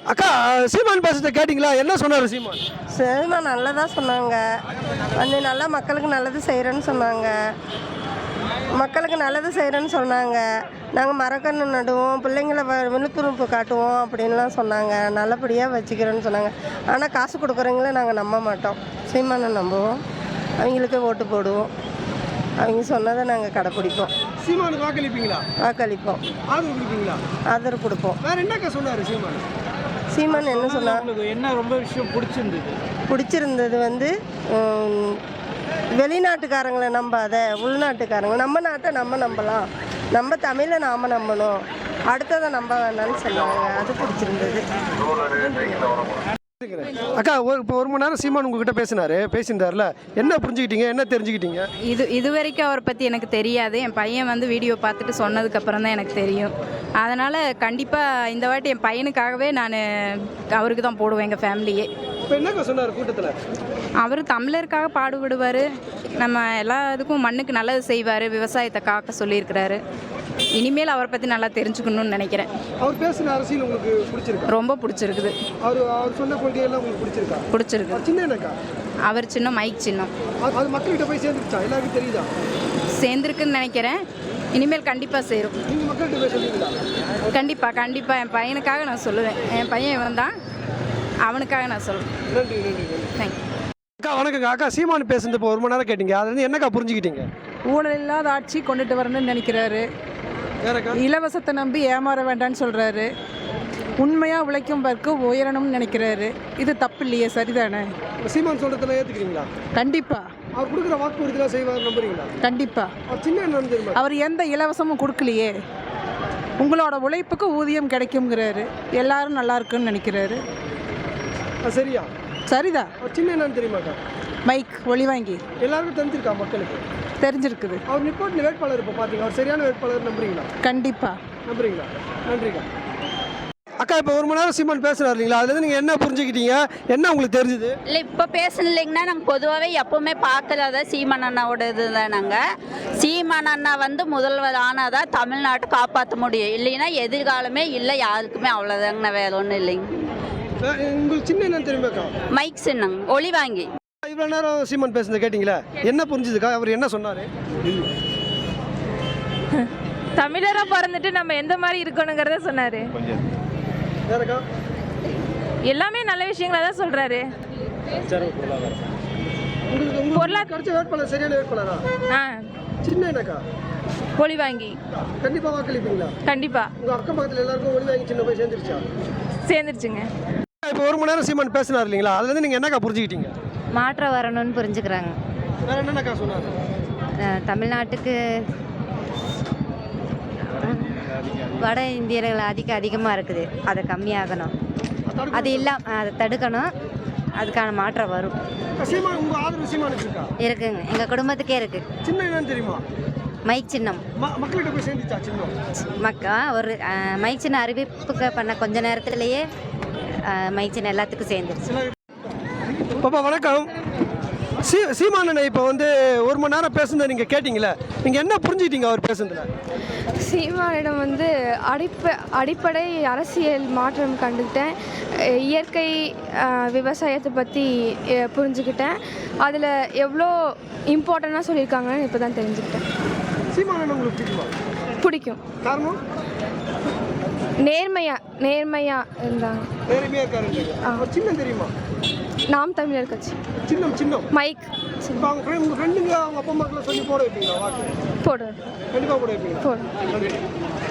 அக்கா, சீமான் பேசுறத கேட்டிங்களா? என்ன சொன்னார் சீமான்? சீமான் நல்லதாக சொன்னாங்க. வந்து நல்லா மக்களுக்கு நல்லது செய்கிறேன்னு சொன்னாங்க. மக்களுக்கு நல்லது செய்கிறேன்னு சொன்னாங்க. நாங்கள் மரக்கன்று நடுவோம், பிள்ளைங்கள விழிப்புணர்வு காட்டுவோம் அப்படின்லாம் சொன்னாங்க. நல்லபடியாக வச்சுக்கிறேன்னு சொன்னாங்க. ஆனால் காசு கொடுக்குறவங்கள நாங்கள் நம்ப மாட்டோம். சீமானை நம்புவோம், அவங்களுக்கு ஓட்டு போடுவோம். அவங்க சொன்னதை நாங்கள் கடைப்பிடிப்போம். சீமானுக்கு வாக்களிப்பீங்களா? வாக்களிப்போம், ஆதரவு கொடுப்பீங்களா? ஆதரவு கொடுப்போம். வேற என்னக்கா சொன்னார் சீமான்? சீமான் என்ன சொன்னார்? என்ன ரொம்ப விஷயம் பிடிச்சிருந்தது வந்து வெளிநாட்டுக்காரங்களை நம்பாத, உள்நாட்டுக்காரங்க. நம்ம நாட்டை நம்ம நம்பலாம், நம்ம தமிழை நாம் நம்பணும், அடுத்ததை நம்ப வேண்டாம்னு சொன்னாங்க. அது பிடிச்சிருந்தது. அக்கா, இப்போ 1 மணி நேரம் சீமான் உங்ககிட்ட பேசியிருந்தார்ல, என்ன புரிஞ்சுக்கிட்டீங்க, என்ன தெரிஞ்சுக்கிட்டீங்க? இது வரைக்கும் அவரை பற்றி எனக்கு தெரியாது. என் பையன் வந்து வீடியோ பார்த்துட்டு சொன்னதுக்கப்புறம் தான் எனக்கு தெரியும். அதனால் கண்டிப்பாக இந்த வாட்டி என் பையனுக்காகவே நான் அவருக்கு தான் போடுவேன், எங்கள் ஃபேமிலியே. இப்போ என்னக்கா சொன்னார் கூட்டத்தில்? அவர் தமிழருக்காக பாடுபடுவார், நம்ம எல்லா இதுக்கும் மண்ணுக்கு நல்லது செய்வார், விவசாயத்தை காக்க சொல்லியிருக்கிறாரு. இனிமேல் அவரை பற்றி நல்லா தெரிஞ்சுக்கணும்னு நினைக்கிறேன். அவர் பேசுகிற அரசியல் உங்களுக்கு பிடிச்சிருக்கு? ரொம்ப பிடிச்சிருக்குது. அவர் சொன்ன கொள்கையெல்லாம் உங்களுக்கு பிடிச்சிருக்கா? பிடிச்சிருக்கு. சின்ன என்னக்கா? அவர் சின்னம், மைக் சின்னம். அது மக்கள்கிட்ட போய் சேர்ந்துருச்சா? எல்லாருக்கும் தெரியுதா? சேர்ந்துருக்குன்னு நினைக்கிறேன். இனிமேல் கண்டிப்பாக சேரும். நீங்கள் மக்கள்கிட்ட போய் சொல்லுவீங்களா? கண்டிப்பாக என் பையனுக்காக நான் சொல்லுவேன். என் பையன் இவன் தான், அவனுக்காக நான் சொல்லுவேன். நன்றி. தேங்க்யூ. அக்கா வணக்கங்க. அக்கா, சீமான் பேசுறது இப்போ 1 மணி நேரம் கேட்டீங்க, அது வந்து என்னக்கா புரிஞ்சுக்கிட்டீங்க? ஊழல் இல்லாத ஆட்சி கொண்டுட்டு வரணும்னு நினைக்கிறாரு. இலவசத்தை நம்பி ஏமாற வேண்டாம்னு சொல்கிறாரு. உண்மையாக உழைக்கும் பருக்கு உயரணும்னு நினைக்கிறாரு. இது தப்பு இல்லையே, சரிதானே? சீமான் சொல்றதுல ஏற்றுக்கிறீங்களா? கண்டிப்பாக. அவர் கொடுக்குற வாக்குறுதிலாம் செய்வார் நம்புறீங்களா? கண்டிப்பாக. அவர் சின்ன என்னன்னு தெரியுமா? அவர் எந்த இலவசமும் கொடுக்கலையே. உங்களோட உழைப்புக்கு ஊதியம் கிடைக்குங்கிறாரு. எல்லாரும் நல்லா இருக்குன்னு நினைக்கிறாரு. சரியா? சரிதான். அவர் சின்ன என்னன்னு தெரியுமாக்கா? மைக் ஒளி வாங்கி எல்லாருக்கும் தெரிஞ்சிருக்கா? மக்களுக்கு தெரிஞ்சிருக்குது. அவர் நிப்பாட்டின வேட்பாளர் இப்போ பார்த்தீங்க, அவர் சரியான வேட்பாளர் நம்புறீங்களா? கண்டிப்பாக நம்புறீங்களா? நன்றிக்கா. அக்கா, இப்போ 1 மணி நேரம் சீமான் பேசுறாரு இல்லைங்களா, அதுலேருந்து நீங்கள் என்ன புரிஞ்சுக்கிட்டீங்க, என்ன உங்களுக்கு தெரிஞ்சுது? இல்லை, இப்போ பேசணும் இல்லைங்கன்னா, நாங்கள் பொதுவாகவே எப்போவுமே பார்க்கறத சீமான் அண்ணாவோட இது தான். நாங்கள் சீமான் அண்ணா வந்து முதல்வர் ஆனால் தான் தமிழ்நாட்டை காப்பாற்ற முடியும், இல்லைன்னா எதிர்காலமே இல்லை யாருக்குமே. அவ்வளோதாங்கண்ணா, வேற ஒன்றும் இல்லைங்க. உங்களுக்கு சின்ன என்னன்னு தெரியுமாக்கா? மைக் சின்னங்க, ஒளி வாங்கி. இவ்வளோ நேரம் சீமான் பேசுனது கேட்டிங்களா, என்ன புரிஞ்சுதுக்கா? அவர் என்ன சொன்னார்? தமிழராக பிறந்துட்டு நம்ம எந்த மாதிரி இருக்கணுங்கிறத சொன்னார். எல்லாமே நல்ல விஷயங்களா தான் சொல்கிறாரு. பொருளாதார வேட்பாளர் சரியான வேட்பாளரா? சின்ன என்னக்கா? ஒளி வாங்கி. கண்டிப்பாக வாக்களிப்பீங்களா? கண்டிப்பாக. உங்கள் அக்கம் பக்கத்தில் எல்லாருக்கும் ஒளி வாங்கி சின்ன போய் சேர்ந்துருச்சா? சேர்ந்துருச்சுங்க. இப்போ 1 மணி நேரம் சீமான் பேசினார் இல்லைங்களா, அதுலேருந்து நீங்கள் என்னக்கா புரிஞ்சுக்கிட்டீங்க? மாற்றம் வரணும்னு புரிஞ்சுக்கிறாங்க. வேறு என்னக்கா சொன்னார்? தமிழ்நாட்டுக்கு வட இந்தியர்கள் அதிகமாக இருக்குது, அதை கம்மியாகணும், அது இல்லாமல் அதை தடுக்கணும். அதுக்கான மாற்றம் வரும். உங்கள் ஆதரவு சீமானுக்கு இருக்கா? இருக்குங்க, எங்கள் குடும்பத்துக்கே இருக்குது. சின்ன என்னன்னு தெரியுமா? மைக் சின்னம். மக்கள்கிட்ட போய் சேர்ந்துச்சா சின்னம்? ஒரு மைக் சின்ன அறிவிப்புக்கு பண்ண கொஞ்ச நேரத்துலேயே மைக் சின்னம் எல்லாத்துக்கும் சேர்ந்துருச்சு. பாப்பா வணக்கம். சீமானனை இப்போ வந்து 1 மணி நேரம் பேசுனதை நீங்கள் கேட்டிங்களே, நீங்கள் என்ன புரிஞ்சுக்கிட்டீங்க அவர் பேசுனதுல? சீமானிடம் வந்து அடிப்படை அரசியல் மாற்றம் கண்டுக்கிட்டேன். இயற்கை விவசாயத்தை பற்றி புரிஞ்சுக்கிட்டேன். அதில் எவ்வளோ இம்பார்ட்டண்ட்டாக சொல்லியிருக்காங்கன்னு இப்போ தான் தெரிஞ்சுக்கிட்டேன். சீமானன் உங்களுக்கு பிடிக்குமா? பிடிக்கும். காரணம்? நேர்மையாக இருந்தாங்க. நேர்மையாக இருக்காரு. சின்னம் தெரியுமா? நாம் தமிழர் கட்சி. சின்னம் மைக். உங்கள் ஃப்ரெண்டுங்க அவங்க அப்பா அம்மாக்கெல்லாம் சொல்லி போட வைப்பீங்களா வாக்கு? போடுவேன். கண்டிப்பாக போட வைப்பீங்க. போடுவேன்.